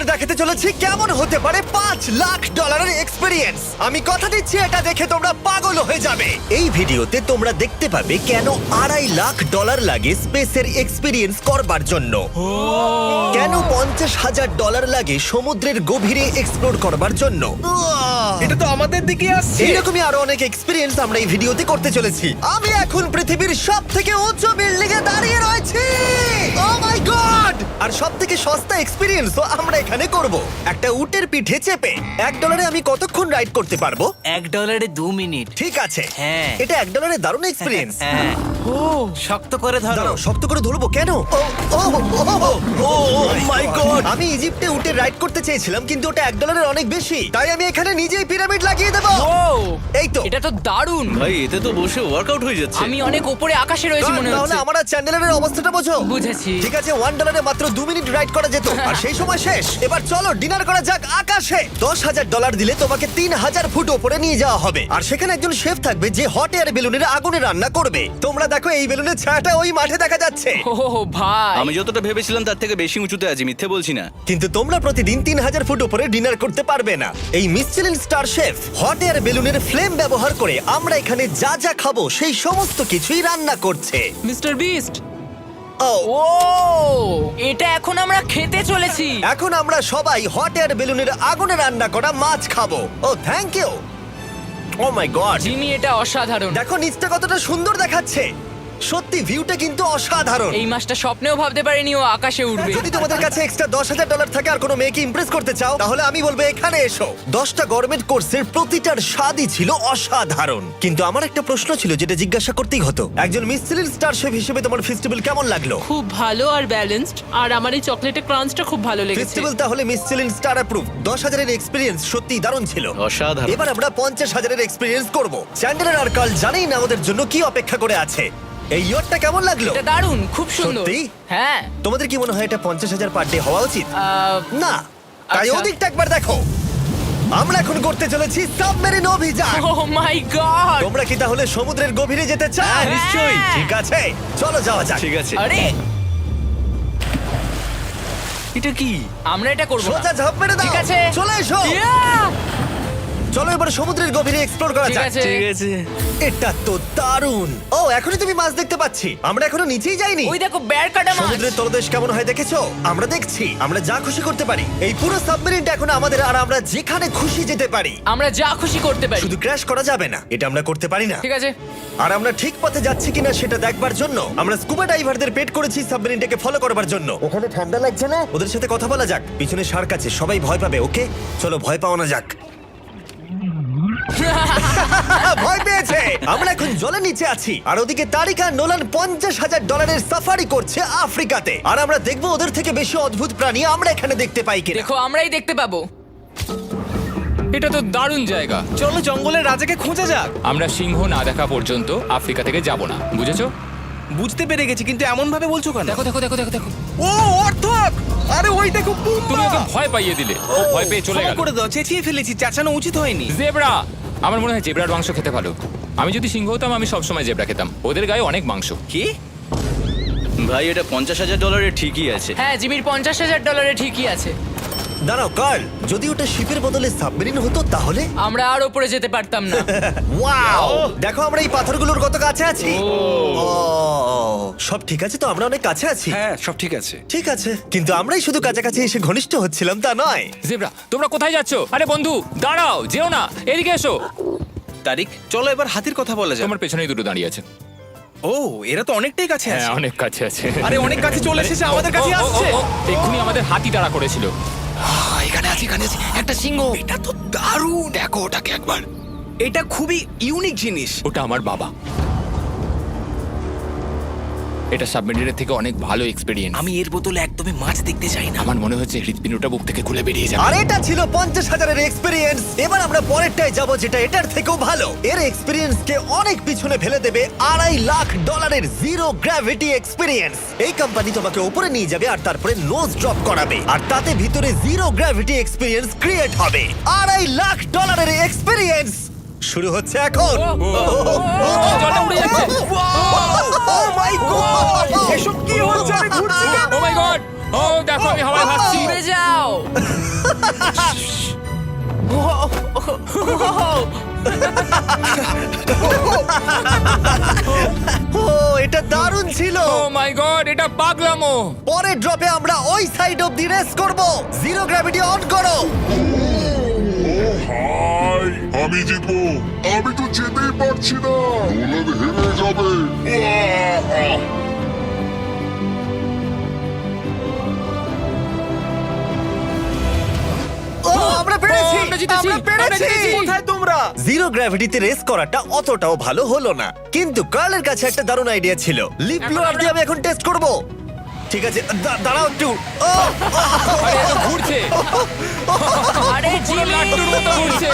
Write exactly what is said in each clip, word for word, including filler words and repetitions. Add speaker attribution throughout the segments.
Speaker 1: দেখাতে চলেছি কেমন হতে পারে পাঁচ লাখ ডলারের এক্সপিরিয়েন্স। আমি কথা দিচ্ছি এটা দেখে তোমরা পাগল হয়ে যাবে। এই ভিডিওতে তোমরা দেখতে পাবে কেন আড়াই লাখ ডলার লাগে স্পেসের এক্সপিরিয়েন্স করবার জন্য, কেন পঞ্চাশ হাজার ডলার লাগে সমুদ্রের গভীরে এক্সপ্লোর করবার জন্য।
Speaker 2: এটা তো আমাদের দিকে আসছে।
Speaker 1: এইরকমই আরো অনেক এক্সপিরিয়েন্স আমরা এই ভিডিওতে করতে চলেছি। আমি এখন পৃথিবীর সব থেকে উঁচু বিল্ডিং এ দাঁড়িয়ে রয়েছি। ও মাই গড! আর সব থেকে সস্তা এক্সপিরিয়েন্স আমরা এখানে করব একটা উটের পিঠে চেপে। এক ডলারে আমি কতক্ষণ রাইড করতে পারবো?
Speaker 3: এক ডলারে দু মিনিট।
Speaker 1: ঠিক আছে,
Speaker 3: হ্যাঁ।
Speaker 1: এটা এক ডলারে দারুণ এক্সপিরিয়েন্স।
Speaker 3: হ্যাঁ। ও শক্ত করে ধরো।
Speaker 1: দাঁড়াও, শক্ত করে ধরবো কেন? Oh oh oh oh my god! আমি ইজিপ্টে উটে রাইড করতে চেয়েছিলাম, কিন্তু ওটা এক ডলারের অনেক বেশি, তাই আমি এখানে নিজেই পিরামিড লাগিয়ে দেবো।
Speaker 4: ও
Speaker 1: এই তো।
Speaker 4: এটা তো দারুণ।
Speaker 2: ভাই এতে তো বসে ওয়ার্কআউট হয়ে যাচ্ছে।
Speaker 4: আমি অনেক উপরে আকাশে রয়েছি মনে
Speaker 1: তাহলে
Speaker 4: হচ্ছে।
Speaker 1: আমার আর চ্যান্ডেলের অবস্থাটা বোঝো।
Speaker 4: বুঝেছি।
Speaker 1: ঠিক আছে, ওয়ান ডলারে মাত্র দু মিনিট রাইড করা যেত, আর সেই সময় শেষ। এবার চলো ডিনার করা যাক আকাশে। দশ হাজার ডলার দিলে তোমাকে তিন হাজার ফুট ওপরে নিয়ে যাওয়া হবে, আর সেখানে একজন শেফ থাকবে যে হট এয়ার বেলুনের আগুনে রান্না করবে। তোমরা দেখো এই বেলুনের ছায়াটা ওই মাঠে দেখা যাচ্ছে।
Speaker 4: ও ভাই,
Speaker 2: আমি যতটা ভেবেছিলাম তার থেকে বেশি উঁচুতে আছি, মিথ্যে বলছি না।
Speaker 1: কিন্তু তোমরা প্রতিদিন তিন হাজার ফুট উপরে ডিনার করতে পারবে না। এই Michelin star chef hot air বেলুনের ফ্লেম ব্যবহার করে আমরা এখানে যা যা খাবো সেই সমস্ত কিছুই রান্না করছে।
Speaker 4: Mister beast.
Speaker 1: ও
Speaker 4: ও এটা এখন আমরা খেতে চলেছি।
Speaker 1: এখন আমরা সবাই হট এয়ার বেলুনের আগুনে রান্না করা মাছ খাবো। Oh thank you. Oh my god!
Speaker 4: Jimmy এটা অসাধারণ।
Speaker 1: দেখো নিচটা কতটা সুন্দর দেখাচ্ছে। সত্যি ভিউটা কিন্তু অসাধারণ।
Speaker 4: এই মাসটা স্বপ্নেও ভাবতে পারিনি ও আকাশে উঠবে।
Speaker 1: যদি তোমাদের কাছে এক্সট্রা দশ হাজার ডলার থাকে আর কোনো মেয়েকে ইমপ্রেস করতে চাও, তাহলে আমি বলবো এখানে এসো। দশটা গরমেট কোর্সের প্রতিটার স্বাদই ছিল অসাধারণ। কিন্তু আমার একটা প্রশ্ন ছিল যেটা জিজ্ঞাসা করতেই হতো, একজন মিশেলিন স্টার শেফ হিসেবে তোমার ফেস্টিভ্যাল কেমন লাগলো?
Speaker 5: খুব ভালো আর ব্যালেন্সড, আর আমার এই চকলেটের ক্রাঞ্চটা খুব ভালো লেগেছে।
Speaker 1: ফেস্টিভ্যাল তাহলে মিশেলিন স্টার অ্যাপ্রুভ। দশ হাজারের এক্সপিরিয়েন্স সত্যি দারুণ ছিল।
Speaker 2: অসাধারণ।
Speaker 1: এবার আমরা পঞ্চাশ হাজারের এক্সপিরিয়েন্স করব। চ্যান্ডেলার আর কার্ল জানেই না আমাদের জন্য কি অপেক্ষা করে আছে। এই ইয়ারটা কেমন লাগলো?
Speaker 4: এটা দারুণ, খুব সুন্দর।
Speaker 1: সত্যি?
Speaker 4: হ্যাঁ।
Speaker 1: তোমাদের কি মনে হয় এটা পঞ্চাশ হাজার পার ডে হওয়া উচিত?
Speaker 4: আহ,
Speaker 1: না, তাই
Speaker 4: আচ্ছা।
Speaker 1: ওদিকটা একবার দেখো। আমরা এখন করতে চলেছি সাবমেরিন অভিযান।
Speaker 4: Oh my god.
Speaker 1: তোমরা কি তাহলে সমুদ্রের গভীরে যেতে চাও?
Speaker 4: হ্যাঁ, নিশ্চয়ই।
Speaker 1: ঠিক আছে, চলো যাওয়া যাক।
Speaker 2: ঠিক আছে।
Speaker 4: আরে
Speaker 2: এটা কি?
Speaker 4: আমরা এটা করব না।
Speaker 1: সোজা ঝাঁপ মেরে দাও।
Speaker 4: ঠিক আছে।
Speaker 1: চলে এসো।
Speaker 4: Yeah!
Speaker 1: চলো এবার সমুদ্রের গভীরে এক্সপ্লোর করা
Speaker 4: ঠিক
Speaker 1: যাক।
Speaker 4: আছে।
Speaker 2: ঠিক আছে।
Speaker 1: এটা তো দারুণ। ও এখনই তুমি মাছ দেখতে পাচ্ছি, আমরা এখনো নিচেই যাইনি।
Speaker 4: ওই দেখো বের কাটা মাছ।
Speaker 1: সমুদ্রের তলদেশ কেমন হয় দেখেছো? আমরা দেখছি, আমরা যা খুশি করতে পারি। এই পুরো সাবমেরিনটা এখন আমাদের, আর আমরা যেখানে খুশি যেতে পারি।
Speaker 4: আমরা যা খুশি করতে পারি।
Speaker 1: শুধু ক্র্যাশ করা যাবে না, এটা আমরা করতে পারি না।
Speaker 4: ঠিক আছে।
Speaker 1: আর আমরা ঠিক পথে যাচ্ছি কিনা সেটা দেখবার জন্য আমরা স্কুবা ডাইভারদের পেড করেছি সাবমেরিনটাকে ফলো করবার জন্য। ওখানে ঠান্ডা লাগছে না? ওদের সাথে কথা বলা যাক। পিছনে শার্ক আছে, সবাই ভয় পাবে। ওকে চলো ভয় পাওয়া না যাক। ভয় পেয়েছে। আমরা এখন জলের নিচে আছি, আর ওদিকে তারিকা নোলান পঞ্চাশ হাজার ডলারের সাফারি করছে আফ্রিকাতে। আর আমরা দেখবো ওদের থেকে বেশি অদ্ভুত প্রাণী আমরা এখানে দেখতে পাই কিনা।
Speaker 4: দেখো আমরাই দেখতে পাবো।
Speaker 6: এটা তো দারুণ জায়গা।
Speaker 2: চলো জঙ্গলের রাজাকে খোঁজা যাক।
Speaker 6: আমরা সিংহ না দেখা পর্যন্ত আফ্রিকা থেকে যাব না, বুঝেছো?
Speaker 2: বুঝতে পেরে গেছি, কিন্তু এমন ভাবে বলছো কেন?
Speaker 6: দেখো দেখো দেখো দেখো দেখো
Speaker 2: ও অর্থক! আরে ওই দেখো
Speaker 6: তুমি ওকে ভয় পাইয়ে দিলে, ও ভয় পেয়ে চলে
Speaker 2: ক্ষমা
Speaker 6: গেল।
Speaker 2: করে দাও, চেঁচিয়ে ফেলেছি, চাচানো উচিত হয়নি।
Speaker 6: জেব্রা, আমার মনে হয় জেব্রার মাংস খেতে ভালো। আমি যদি সিংহ হতাম আমি সবসময় জেব্রা খেতাম, ওদের গায়ে অনেক মাংস।
Speaker 2: কি? ভাই এটা পঞ্চাশ হাজার ডলারের ঠিকই আছে।
Speaker 4: হ্যাঁ, জিমির পঞ্চাশ হাজার ডলারে ঠিকই আছে।
Speaker 1: দাঁড়াও কার্ল, যদি ওটা শিপের বদলে সাবমেরিন হতো তাহলে?
Speaker 4: আমরা আর উপরে যেতে পারতাম না।
Speaker 1: ওয়াও! দেখো আমরা এই পাথরগুলোর কত কাছে আছি। ও, সব ঠিক আছে তো? আমরা অনেক কাছে আছি।
Speaker 2: হ্যাঁ সব ঠিক আছে।
Speaker 1: ঠিক আছে, কিন্তু আমরাই শুধু কাছাকাছি এসে ঘনিষ্ঠ হচ্ছিলাম তা নয়।
Speaker 6: জেব্রা, তোমরা কোথায় যাচ্ছ? আরে বন্ধু দাঁড়াও, যেও না, এদিকে এসো।
Speaker 2: তারিক চলো এবার হাতির কথা বলা যাক।
Speaker 6: তোমার পেছনেই দুটো দাঁড়িয়ে আছে।
Speaker 2: ও এরা তো অনেকটাই কাছে
Speaker 6: হ্যাঁ,
Speaker 2: আছে।
Speaker 6: অনেক কাছে আছে।
Speaker 2: আরে অনেক কাছে চলে এসেছে, আমাদের কাছে
Speaker 6: ও, ও, ও,
Speaker 2: আসছে।
Speaker 6: ও, এক্ষুনি আমাদের হাতি তাড়া করেছিল।
Speaker 2: এখানে আছে, এখানে আছে একটা সিংহ। এটা তো দারুণ, দেখো ওটাকে একবার। এটা খুবই ইউনিক জিনিস।
Speaker 6: ওটা আমার বাবা। এটা সাবমেরিনের থেকে অনেক ভালো এক্সপেরিয়েন্স।
Speaker 2: আমি এর বদলে একদমই মাছ দেখতে চাই না।
Speaker 6: আমার মনে হচ্ছে হৃৎপিণ্ডটা বুক থেকে খুলে বেরিয়ে যাবে।
Speaker 1: আর এটা ছিল পঞ্চাশ হাজারের এক্সপিরিয়েন্স। এবার আমরা পরেরটায় যাব যেটা এটার থেকেও ভালো। এর এক্সপিরিয়েন্স কে অনেক পিছনে ফেলে দেবে আড়াই লাখ ডলারের জিরো গ্র্যাভিটি এক্সপিরিয়েন্স। এই কোম্পানি তোমাকে উপরে নিয়ে যাবে আর তারপরে নোজ ড্রপ করাবে, আর তাতে ভিতরে জিরো গ্র্যাভিটি এক্সপিরিয়েন্স ক্রিয়েট হবে। আড়াই লাখ ডলারের এক্সপিরিয়েন্স শুরু হচ্ছে এখন।
Speaker 6: জলটা উড়ে যাচ্ছে।
Speaker 1: Oh my god!
Speaker 2: এসব কি হচ্ছে? আমি ঘুরছি কেন?
Speaker 6: ও মাই গড! ও দেখো আমি হাওয়ায় ভাসছি।
Speaker 4: উড়ে যাও।
Speaker 1: ও এটা দারুণ ছিল।
Speaker 6: ও মাই গড, এটা পাগলামো।
Speaker 1: পরের ড্রপে আমরা ওই সাইড অফ দি রেস করব। জিরো গ্র্যাভিটি অন করো।
Speaker 7: হাই আমি জিতবো, আমি তো যেতেই পারছি না, নোলান হেরে যাবে। আহ!
Speaker 1: ও আমরা পেরেছি,
Speaker 6: ও, আমরা জিতেছি,
Speaker 1: আমরা
Speaker 6: আমরা
Speaker 1: পেরেছি।
Speaker 6: জিতেছি।
Speaker 2: কোথায় তোমরা?
Speaker 1: জিরো গ্র্যাভিটিতে রেস করাটা অতটাও ভালো হলো না, কিন্তু কার্লের কাছে একটা দারুণ আইডিয়া ছিল। লিপ ব্লোয়ার দিয়ে আমি এখন টেস্ট করব। ঠিক আছে, দা- দাঁড়াও একটু। ও,
Speaker 6: আরে এত ঘুরছে,
Speaker 4: আরে
Speaker 6: পুরো
Speaker 4: জিমি
Speaker 6: লাট্টুর মতো ঘুরছে।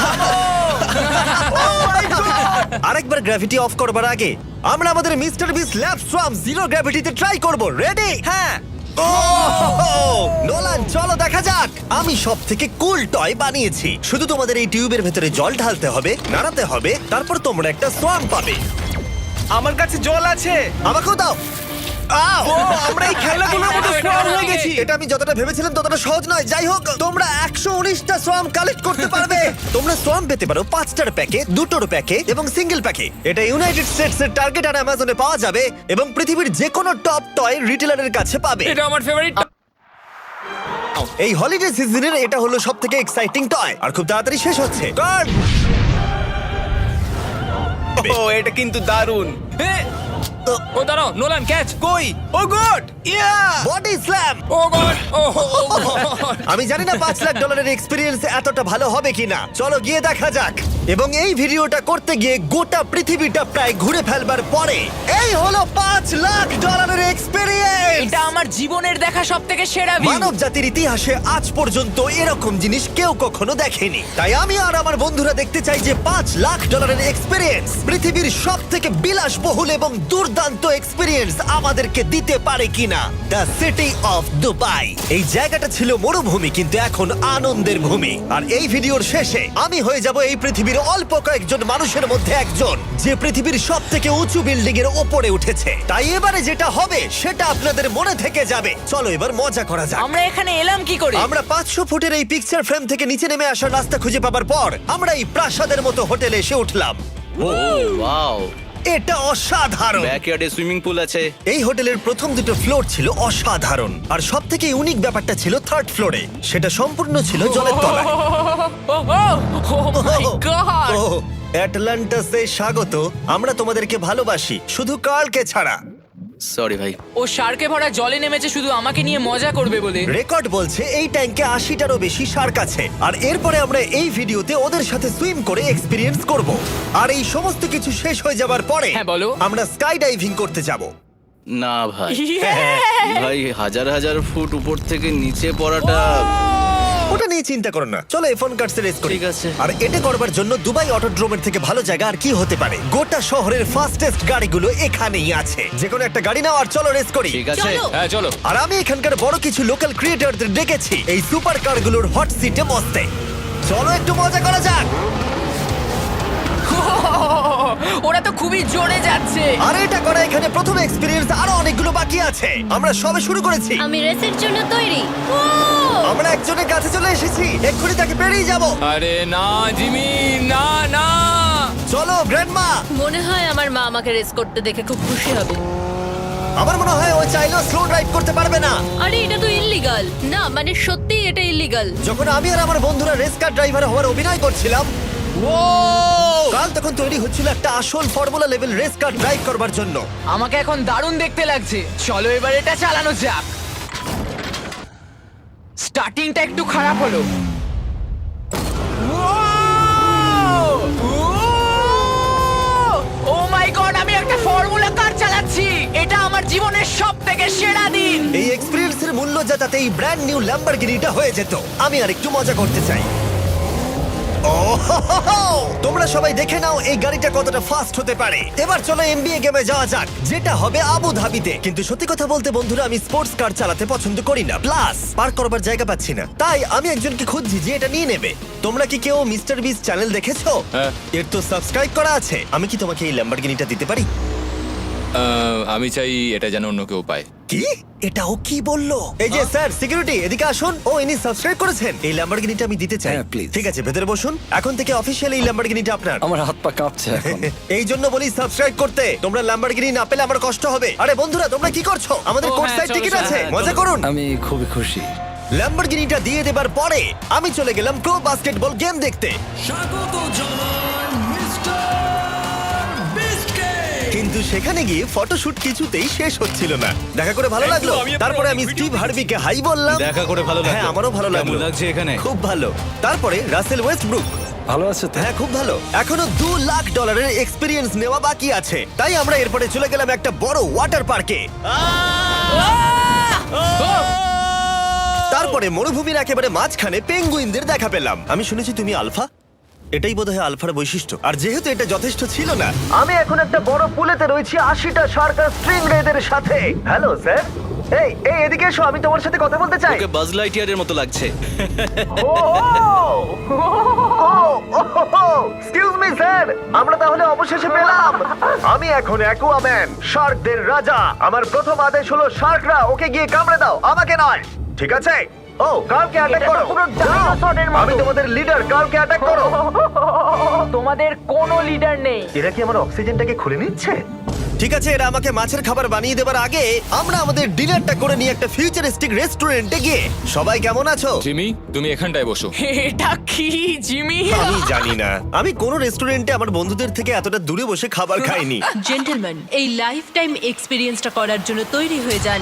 Speaker 1: আরেকবার গ্র্যাভিটি অফ করবার আগে আমরা আমাদের mister beast lab swarm zero গ্র্যাভিটিতে ট্রাই করব। রেডি?
Speaker 2: হ্যাঁ।
Speaker 1: ও নোলান, চলো দেখা যাক। আমি সব থেকে কুল টয় বানিয়েছি। শুধু তোমাদের এই টিউবের ভেতরে জল ঢালতে হবে, নাড়াতে হবে, তারপর তোমরা একটা সোয়াম পাবে।
Speaker 2: আমার কাছে জল আছে।
Speaker 1: আমাকেও দাও। আও!
Speaker 2: ও, আমরা এই খেলাগুলোর মতো স্ট্রং হয়ে গেছি।
Speaker 1: এটা আমি যতটা ভেবেছিলাম ততটা সহজ নয়। যাই হোক, তোমরা একশো উনিশটা সোয়াম কালেক্ট করতে পারবে। তোমরা সোয়াম পেতে পারো পাঁচটার প্যাকে, দুটোর প্যাকে এবং সিঙ্গেল প্যাকে। এটা ইউনাইটেড স্টেটস এর টার্গেট আর অ্যামাজনে পাওয়া যাবে এবং পৃথিবীর যে কোনো টপ টয় রিটেলারের কাছে পাবে।
Speaker 6: এটা আমার ফেভারিট।
Speaker 1: এই হলিডে সিজনের এটা হলো সব থেকে এক্সাইটিং টয় আর খুব তাড়াতাড়ি শেষ হচ্ছে। কার্ড!
Speaker 2: ও এটা কিন্তু দারুণ।
Speaker 6: ও দাঁড়াও, নোলান ক্যাচ।
Speaker 2: কই? Oh god! Yeah!
Speaker 1: Body slam!
Speaker 6: Oh god, oh
Speaker 1: আমি জানি না পাঁচ লাখ ডলারের এক্সপিরিয়েন্স এতটা ভালো হবে কিনা। চলো গিয়ে দেখা যাক। এবং এই ভিডিওটা করতে গিয়ে গোটা পৃথিবীটা প্রায় ঘুরে ফেলবার পরে এই হলো পাঁচ লাখ ডলারের এক্সপিরিয়েন্স।
Speaker 4: এটা আমার জীবনের দেখা সব থেকে সেরা ভিউ।
Speaker 1: মানব জাতির ইতিহাসে আজ পর্যন্ত এরকম জিনিস কেউ কখনো দেখেনি। তাই আমি আর আমার বন্ধুরা দেখতে চাই যে পাঁচ লাখ ডলারের এক্সপিরিয়েন্স পৃথিবীর সব থেকে বিলাসবহুল এবং দুর্দান্ত এক্সপিরিয়েন্স আমাদেরকে দিতে পারে কিনা। The city of Dubai. এই জায়গাটা ছিল মরুভূমি, কিন্তু এখন আনন্দের ভূমি। আর এই ভিডিওর শেষে আমি হয়ে যাব এই পৃথিবীর অল্প কয়েকজন মানুষের মধ্যে একজন, যে পৃথিবীর সব থেকে উঁচু বিল্ডিং এর ওপরে উঠেছে। তাই এবারে যেটা হবে সেটা আপনাদের মনে থেকে যাবে। চলো এবার মজা করা যাক।
Speaker 4: আমরা এখানে এলাম কি করে?
Speaker 1: আমরা পাঁচশো ফুটের এই পিকচার ফ্রেম থেকে নিচে নেমে আসার রাস্তা খুঁজে পাবার পর আমরা এই প্রাসাদের মতো হোটেলে এসে উঠলাম।
Speaker 8: ওয়াও,
Speaker 1: এটা অসাধারণ।
Speaker 8: ব্যাকইয়ার্ডে সুইমিং পুল আছে।
Speaker 1: এই হোটেলের প্রথম দুটো ফ্লোর ছিল অসাধারণ, আর সব থেকে ইউনিক ব্যাপারটা ছিল থার্ড ফ্লোরে। সেটা সম্পূর্ণ ছিল জলের তলায়।
Speaker 4: ও মাই গড!
Speaker 1: ও অ্যাটলান্টাসে স্বাগত। আমরা তোমাদেরকে ভালোবাসি, শুধু কার্লকে ছাড়া।
Speaker 8: সরি ভাই।
Speaker 4: ও শার্কে ভরা জলে নেমেছে শুধু আমাকে নিয়ে মজা করবে বলে।
Speaker 1: রেকর্ড বলছে এই ট্যাঙ্কে আশিটারও বেশি শার্ক আছে। আর এরপরে আমরা এই ভিডিওতে ওদের সাথে সুইম করে এক্সপিরিয়েন্স করব। আর এই সমস্ত কিছু শেষ হয়ে যাবার পরে
Speaker 4: হ্যাঁ, বলো।
Speaker 1: আমরা স্কাই ডাইভিং করতে যাব।
Speaker 8: না ভাই,
Speaker 1: হ্যাঁ,
Speaker 8: ভাই হাজার হাজার ফুট উপর থেকে নিচে পড়াটা।
Speaker 1: ওটা নিয়ে চিন্তা করো না, চলো এফোন কার্ডস রেস করি।
Speaker 8: ঠিক আছে।
Speaker 1: আর এটা করবার জন্য দুবাই অটোড্রোমের থেকে ভালো জায়গা আর কি হতে পারে। গোটা শহরের ফাস্টেস্ট গাড়িগুলো এখানেই আছে। যে কোনো একটা গাড়ি নাও আর চলো রেস করি।
Speaker 8: ঠিক আছে।
Speaker 6: হ্যাঁ চলো।
Speaker 1: আর আমি এখানকার বড় কিছু লোকাল ক্রিয়েটরদের ডেকেছি এই সুপার কারগুলোর হট সিটে বসতে। চলো একটু মজা করা যাক।
Speaker 4: ওরা তো খুবই জোরে যাচ্ছে।
Speaker 1: আর এটা করা এখানে প্রথম এক্সপিরিয়েন্স, আরো অনেকগুলো বাকি আছে। আমরা সবে শুরু করেছি।
Speaker 9: আমি রেসের জন্য তৈরি। ও!
Speaker 1: আমরা একজনের কাছে চলে এসেছি, এক্ষুনি তাকে পেরিয়ে যাব।
Speaker 6: আরে না জিমি, না না।
Speaker 1: চলো গ্র্যান্ডমা।
Speaker 9: মনে হয় আমার মা আমাকে রেস করতে দেখে খুব খুশি হবে।
Speaker 1: আমার মনে হয় ও চাইলেও স্লো ড্রাইভ করতে পারবে না।
Speaker 9: আরে এটা তো ইল্লিগাল। না মানে সত্যি এটা ইল্লিগাল।
Speaker 1: যখন আমি আর আমার বন্ধুরা রেস কার ড্রাইভার হওয়ার অভিনয় করছিলাম, ও কাল তখন তৈরি হচ্ছিল একটা আসল formula level race car drive করবার জন্য।
Speaker 4: আমাকে এখন দারুণ দেখতে লাগছে। চলো এবার এটা চালানো যাক। স্টার্টিংটা একটু খারাপ হলো। ও মাই গড, আমি একটা ফর্মুলা কার চালাচ্ছি। এটা আমার জীবনের সব থেকে সেরা দিন।
Speaker 1: এই এক্সপিরিয়েন্সের মূল্য যা, তাতে এই ব্র্যান্ড নিউ ল্যাম্বরগিনিটা হয়ে যেত। আমি আর একটু মজা করতে চাই। ও হো হো হো! তোমরা সবাই দেখে নাও এই গাড়িটা কতটা ফাস্ট হতে পারে। এবার চলো এনবিএ গেমে যাওয়া যাক, যেটা হবে আবু ধাবিতে। কিন্তু সত্যি কথা বলতে বন্ধুরা, আমি স্পোর্টস কার চালাতে পছন্দ করি না, প্লাস পার্ক করবার জায়গা পাচ্ছি না। তাই আমি একজনকে খুঁজছি যে এটা নিয়ে নেবে। তোমরা কি কেউ মিস্টার বিস চ্যানেল দেখেছো?
Speaker 6: হ্যাঁ।
Speaker 1: এর তো সাবস্ক্রাইব করা আছে। আমি কি তোমাকে এই ল্যাম্বরগিনিটা দিতে পারি?
Speaker 6: আহ, আমি চাই এটা যেন অন্য কেউ পায়।
Speaker 1: কি এটা ও কি বললো? এই যে স্যার সিকিউরিটি এদিকে আসুন। ও ইনি সাবস্ক্রাইব করেছেন। এই ল্যাম্বরগিনিটা আমি দিতে চাই।
Speaker 3: হ্যাঁ, please.
Speaker 1: ঠিক আছে ভেতরে বসুন। এখন থেকে অফিসিয়ালি এই ল্যাম্বরগিনিটা আপনার।
Speaker 3: আমার হাত পা কাঁপছে এখন।
Speaker 1: এই জন্য বলি সাবস্ক্রাইব করতে। তোমরা ল্যাম্বরগিনি না পেলে আমার কষ্ট হবে। আরে বন্ধুরা তোমরা কি করছো? আমাদের
Speaker 5: ও,
Speaker 1: কোর্স
Speaker 5: হ্যাঁ,
Speaker 1: সাইড
Speaker 5: চলো,
Speaker 1: টিকিট
Speaker 5: চলো,
Speaker 1: আছে,
Speaker 5: হ্যাঁ,
Speaker 1: মজা
Speaker 5: চলো।
Speaker 1: করুন।
Speaker 3: আমি খুবই খুশি।
Speaker 1: ল্যাম্বরগিনিটা দিয়ে দেবার পরে আমি চলে গেলাম প্রো বাস্কেটবল গেম দেখতে। কিন্তু সেখানে গিয়ে ফটোশুট কিছুতেই শেষ হচ্ছিল না। দেখা করে ভালো লাগলো। তারপরে আমি স্টিভ হার্বিকে হাই বললাম।
Speaker 8: দেখা করে ভালো লাগলো।
Speaker 1: হ্যাঁ আমারও ভালো লাগলো।
Speaker 8: কেমন লাগছে এখানে?
Speaker 1: খুব ভালো। তারপরে রাসেল ওয়েস্টব্রুক।
Speaker 3: ভালো আছে তো?
Speaker 1: হ্যাঁ খুব ভালো। এখনো দু লাখ ডলারের এক্সপিরিয়েন্স নেওয়া বাকি আছে। তাই আমরা এরপরে চলে গেলাম একটা বড় ওয়াটার পার্কে। তারপরে মরুভূমির একেবারে মাঝখানে পেঙ্গুইনদের দেখা পেলাম। আমি শুনেছি তুমি আলফা। এটাই বোধহয় আলফার বৈশিষ্ট্য। আর যেহেতু এটা যথেষ্ট ছিল না, আমি এখন একটা বড় পুলেতে রয়েছি আশিটা শার্ক আর স্ট্রিং রেদের সাথে। Hello sir. এই এই এদিকে এসো, আমি তোমার সাথে কথা বলতে চাই।
Speaker 8: ওকে বাজ লাইটিয়ারের মতো লাগছে।
Speaker 1: এক্সকিউজ মি স্যার, আমরা তাহলে অবশেষে পেলাম। আমি এখন অ্যাকুয়াম্যান, শার্কদের রাজা। আমার প্রথম আদেশ হলো শার্করা ওকে গিয়ে কামড়ে দাও, আমাকে নয়। ঠিক আছে? ও কালকে অ্যাটাক করো। আমি তোমাদের লিডার, কালকে অ্যাটাক করো।
Speaker 4: তোমাদের কোনো লিডার নেই।
Speaker 1: এরা কি আমার অক্সিজেনটাকে খুলে নিচ্ছে? ঠিক আছে, এরা আমাকে মাছের খাবার বানিয়ে দেবার আগে আমরা আমাদের ডিনারটা করে নিয়ে একটা ফিউচারিস্টিক রেস্টুরেন্টে গিয়ে। সবাই কেমন আছো?
Speaker 6: জিমি, তুমি এখানটায় বসো।
Speaker 4: এটা কি জিমি?
Speaker 1: আমি জানি না, আমি কোন রেস্টুরেন্টে আমার বন্ধুদের থেকে এতটা দূরে বসে খাবার খাইনি।
Speaker 9: জেন্টলম্যান, এই লাইফ টাইম এক্সপিরিয়েন্সটা করার জন্য তৈরি হয়ে যান।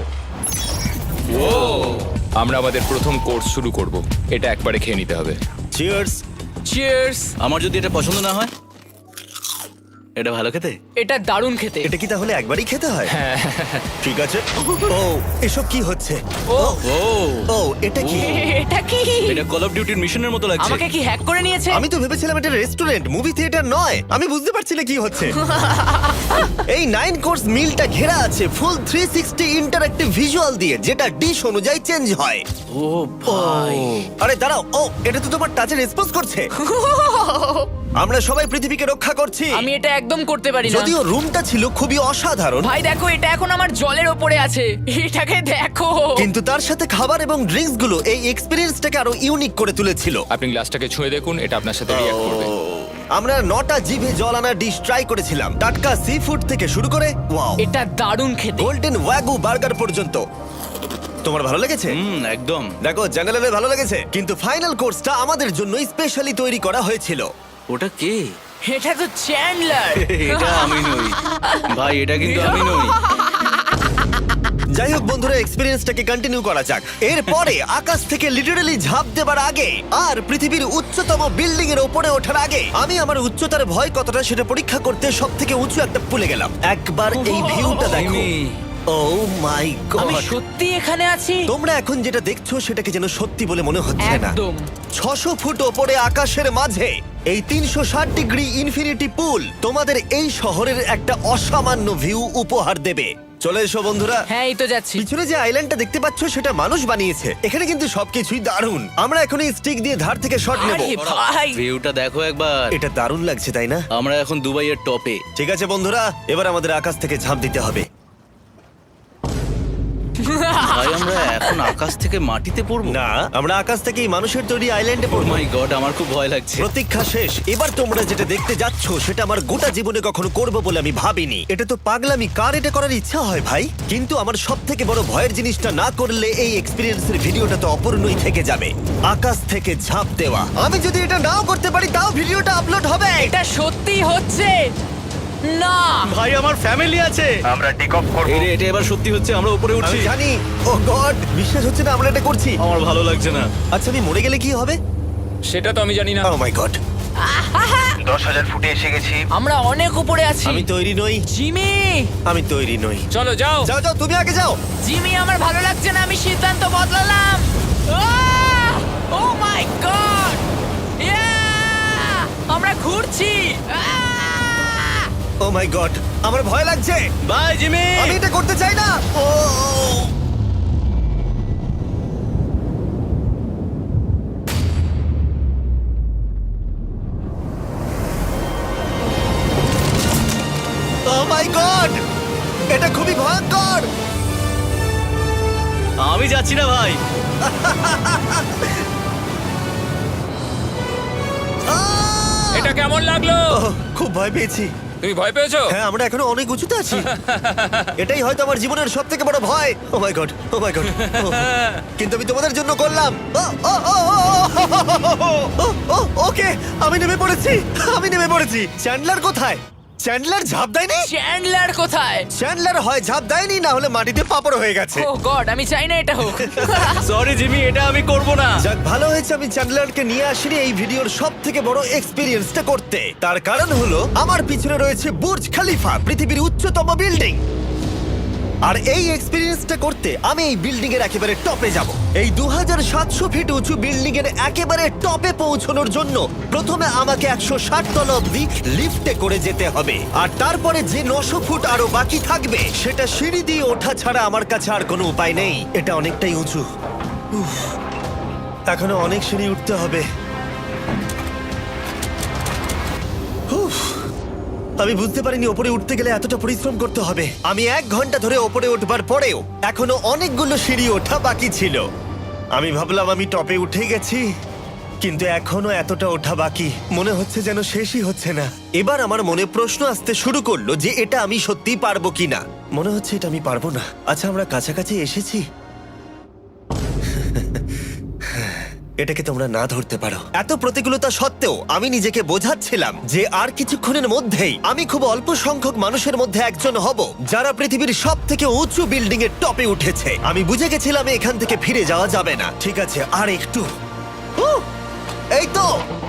Speaker 6: আমরা আমাদের প্রথম কোর্স শুরু করব। এটা একবারে খেয়ে নিতে হবে।
Speaker 1: চিয়ার্স।
Speaker 2: চিয়ার্স।
Speaker 8: আমার যদি এটা পছন্দ না হয়, এটা ভালো খেতে।
Speaker 2: এটা দারুণ খেতে।
Speaker 1: এটা কি তাহলে একবারই খেতে হয়? ঠিক আছে। ও এসব কি হচ্ছে?
Speaker 2: ও
Speaker 8: ও
Speaker 1: ও এটা কি?
Speaker 4: এটা কি?
Speaker 8: এটা কল অফ ডিউটির মিশনের মতো লাগছে।
Speaker 4: আমাকে কি হ্যাক করে নিয়েছে?
Speaker 1: আমি তো ভেবেছিলাম এটা রেস্টুরেন্ট, মুভি থিয়েটার নয়। আমি বুঝতে পারছি না কি হচ্ছে। এই নাইন কোর্স মিলটা ঘেরা আছে full three sixty interactive visual দিয়ে, যেটা ডিশ অনুযায়ী চেঞ্জ হয়।
Speaker 8: ও ভাই,
Speaker 1: আরে দাঁড়াও, ও এটা তো তোমার টাচে রেসপন্স করছে। আমরা সবাই পৃথিবীকে রক্ষা করছি।
Speaker 4: আমি এটা একদম করতে পারি না।
Speaker 1: যদিও রুমটা ছিল খুবই অসাধারণ,
Speaker 4: ভাই দেখো, এটা এখন আমার জলের ওপরে আছে। এটাকে দেখো।
Speaker 1: কিন্তু তার সাথে খাবার এবং ড্রিঙ্কস গুলো এই এক্সপেরিয়েন্সটাকে আরো ইউনিক করে তুলেছিল।
Speaker 6: আপনি গ্লাসটাকে ছুঁয়ে দেখুন, এটা আপনার সাথে রিঅ্যাক্ট করবে।
Speaker 1: আমরা নটা জিভে জল আনা ডিশ ট্রাই করেছিলাম, টাটকা সি ফুড থেকে শুরু করে ওয়াও
Speaker 4: এটা দারুণ খেতে।
Speaker 1: গোল্ডেন ওয়াগু বার্গার পর্যন্ত। তোমার ভালো লেগেছে?
Speaker 8: হুম একদম।
Speaker 1: দেখো জঙ্গলের ভালো লেগেছে, কিন্তু ফাইনাল কোর্সটা আমাদের জন্য স্পেশালি তৈরি করা হয়েছিল।
Speaker 8: ওটা কে?
Speaker 4: এটা তো চ্যান্ডলার।
Speaker 8: এটা আমি নই ভাই, এটা কিন্তু আমি নই।
Speaker 1: যাই হোক বন্ধুরা, এক্সপেরিয়েন্সটাকে কন্টিনিউ করা যাক। এরপরে আকাশ থেকে লিটারালি ঝাঁপ দেবার আগে আর পৃথিবীর উচ্চতম বিল্ডিং এর উপরে ওঠার আগে আমি আমার উচ্চতার ভয় কতটা সেটা পরীক্ষা করতে সব থেকে উঁচু একটা পুলে গেলাম। একবার এই ভিউটা দেখো।
Speaker 8: জিমি।
Speaker 1: ও মাই
Speaker 4: আমি
Speaker 1: গড!
Speaker 4: সত্যি এখানে আছি।
Speaker 1: তোমরা এখন যেটা দেখছো সেটাকে যেন সত্যি বলে মনে হচ্ছে না।
Speaker 4: একদম।
Speaker 1: ছশো ফুট ওপরে আকাশের মাঝে এই তিনশো ষাট ডিগ্রি ইনফিনিটি পুল তোমাদের এই শহরের একটা অসামান্য ভিউ উপহার দেবে। চলে এসো বন্ধুরা।
Speaker 4: হ্যাঁ, এই তো যাচ্ছি।
Speaker 1: পিছনে যে আইল্যান্ডটা দেখতে পাচ্ছ সেটা মানুষ বানিয়েছে। এখানে কিন্তু সবকিছুই দারুণ। আমরা এখন এই স্টিক দিয়ে ধার থেকে শট নেব।
Speaker 4: আরে ভাই,
Speaker 8: ভিউটা দেখো একবার।
Speaker 1: এটা দারুণ লাগছে তাই না?
Speaker 8: আমরা এখন দুবাইয়ের টপে।
Speaker 1: ঠিক আছে বন্ধুরা, এবার আমাদের আকাশ থেকে ঝাঁপ দিতে হবে।
Speaker 8: ভাই আমরা এখন আকাশ থেকে মাটিতে পড়বো?
Speaker 1: না, আমরা আকাশ থেকে এই মানুষের তৈরি আইল্যান্ডে
Speaker 8: ও
Speaker 1: পড়বো।
Speaker 8: মাই গড, আমার খুব ভয় লাগছে।
Speaker 1: প্রতীক্ষা শেষ। এবার তোমরা যেটা দেখতে যাচ্ছ সেটা আমার গোটা জীবনে কখনো করবো বলে আমি ভাবিনি। এটা তো পাগলামি, কার এটা করার ইচ্ছা হয় ভাই? কিন্তু আমার সব থেকে বড় ভয়ের জিনিসটা না করলে এই এক্সপিরিয়েন্সের ভিডিওটা তো অপূর্ণই থেকে যাবে। আকাশ থেকে ঝাঁপ দেওয়া। আমি যদি এটা নাও করতে পারি তাও ভিডিওটা আপলোড হবে।
Speaker 4: এটা সত্যি হচ্ছে না।
Speaker 8: ভাই আমার ফ্যামিলি আছে।
Speaker 1: আমরা টেক অফ করব।
Speaker 8: এই রে, এটা এবার সত্যি হচ্ছে, আমরা উপরে উঠছি।
Speaker 1: আমি জানি। ও গড, বিশ্বাস হচ্ছে না আমরা এটা করছি।
Speaker 8: আমার ভালো লাগছে না।
Speaker 1: আচ্ছা আমি মরে গেলে কি হবে?
Speaker 6: সেটা তো আমি জানি না।
Speaker 1: ও মাই গড, দশ হাজার ফুটে এসে গেছি।
Speaker 4: আমরা অনেক উপরে আছি।
Speaker 1: আমি তৈরি নই,
Speaker 4: জিমি,
Speaker 1: আমি তৈরি নই।
Speaker 6: চলো যাও।
Speaker 1: যাও যাও, তুমি আগে যাও।
Speaker 4: জিমি, আমার ভালো লাগছে না। আমি সিদ্ধান্ত বদলালাম। ও মাই গড, আমরা ঘুরছি।
Speaker 1: ও মাই গড, আমার ভয় লাগছে।
Speaker 8: Bye Jimmy.
Speaker 1: আমি এটা করতে চাই না। ও ও মাই গড, এটা খুবই ভয়ঙ্কর।
Speaker 8: আমি যাচ্ছি না ভাই।
Speaker 1: আহ!
Speaker 6: এটা কেমন লাগলো?
Speaker 1: ওহ, খুব ভয় পেয়েছি।
Speaker 6: তুমি ভয় পেয়েছো?
Speaker 1: হ্যাঁ, আমরা এখনো অনেক উঁচুতে আছি। এটাই হয়তো আমার জীবনের সব থেকে বড় ভয়। Oh my god, oh my god. কিন্তু আমি তোমাদের জন্য করলাম। ও, oh, oh, oh, oh, oh, ও, ওকে, আমি নেমে পড়েছি, আমি নেমে পড়েছি। চ্যান্ডলার কোথায়? চ্যান্ডলার ঝাঁপ দেয়নি?
Speaker 4: চ্যান্ডলার কোথায়?
Speaker 1: চ্যান্ডলার হয় ঝাঁপ দেয়নি, না হলে মাটিতে পাপড় হয়ে গেছে।
Speaker 4: ও গড, আমি চাই না এটা হোক।
Speaker 8: সরি জিমি, এটা আমি করব না।
Speaker 1: যাক, ভালো হয়েছে আমি চ্যান্ডলারকে নিয়ে আসিনি এই ভিডিওর সব থেকে বড় এক্সপিরিয়েন্সটা করতে। তার কারণ হলো আমার পিছনে রয়েছে বুর্জ খলিফা, পৃথিবীর উচ্চতম বিল্ডিং। আর এই এক্সপিরিয়েন্সটা করতে আমি এই বিল্ডিং এর একেবারে টপে যাব। এই দু হাজার সাতশো ফিট উঁচু বিল্ডিং এর একেবারে টপে পৌঁছানোর জন্য প্রথমে আমাকে একশো ষাট তলা অব্দি লিফটে করে যেতে হবে, আর তারপরে যে নশো ফুট আরো বাকি থাকবে সেটা সিঁড়ি দিয়ে ওঠা ছাড়া আমার কাছে আর কোনো উপায় নেই। এটা অনেকটাই উঁচু। উফ, এখনো অনেক সিঁড়ি উঠতে হবে। উফ, আমি বুঝতে পারিনি ওপরে উঠতে গেলে এতটা পরিশ্রম করতে হবে। আমি এক ঘন্টা ধরে ওপরে উঠবার পরেও এখনো অনেকগুলো সিঁড়ি ওঠা বাকি ছিল। আমি ভাবলাম আমি টপে উঠে গেছি, কিন্তু এখনো এতটা ওঠা বাকি। মনে হচ্ছে যেন শেষই হচ্ছে না। এবার আমার মনে প্রশ্ন আসতে শুরু করলো যে এটা আমি সত্যিই পারবো কিনা। মনে হচ্ছে এটা আমি পারবো না। আচ্ছা, আমরা কাছাকাছি এসেছি। এটাকে তোমরা না ধরতে পারো। এত প্রতিকূলতা সত্ত্বেও আমি নিজেকে বোঝাচ্ছিলাম যে আর কিছুক্ষণের মধ্যেই আমি খুব অল্প সংখ্যক মানুষের মধ্যে একজন হব যারা পৃথিবীর সব থেকে উঁচু বিল্ডিং এর টপে উঠেছে। আমি বুঝে গেছিলাম এখান থেকে ফিরে যাওয়া যাবে না। ঠিক আছে, আর একটু। উহ, এই তো,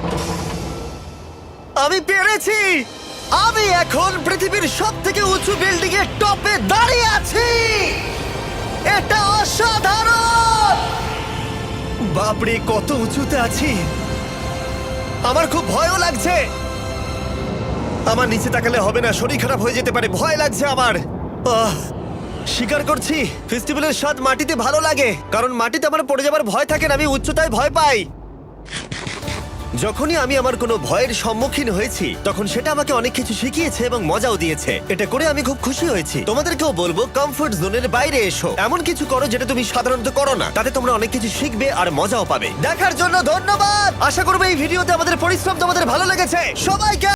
Speaker 1: আমি পেরেছি। আমি এখন পৃথিবীর সব থেকে উঁচু বিল্ডিং এর টপে দাঁড়িয়ে আছি। এটা অসাধারণ। বাপরে, কত উঁচুতে আছি। আমার খুব ভয়ও লাগছে। আমার নিচে তাকালে হবে না, শরীর খারাপ হয়ে যেতে পারে। ভয় লাগছে আমার। আহ, স্বীকার করছি, ফেস্টিভ্যালের স্বাদ মাটিতে ভালো লাগে, কারণ মাটিতে আমার পড়ে যাবার ভয় থাকে না। আমি উচ্চতায় ভয় পাই। যখনই আমি আমার কোনো ভয়ের সম্মুখীন হয়েছি তখন সেটা আমাকে অনেক কিছু শিখিয়েছে এবং মজাও দিয়েছে। এটা করে আমি খুব খুশি হয়েছি। তোমাদেরকেও বলবো কমফোর্ট জোনের বাইরে এসো, এমন কিছু করো যেটা তুমি সাধারণত করো না। তাতে তোমরা অনেক কিছু শিখবে আর মজাও পাবে। দেখার জন্য ধন্যবাদ। আশা করবো এই ভিডিওতে আমাদের পরিশ্রম তোমাদের ভালো লেগেছে। সবাইকে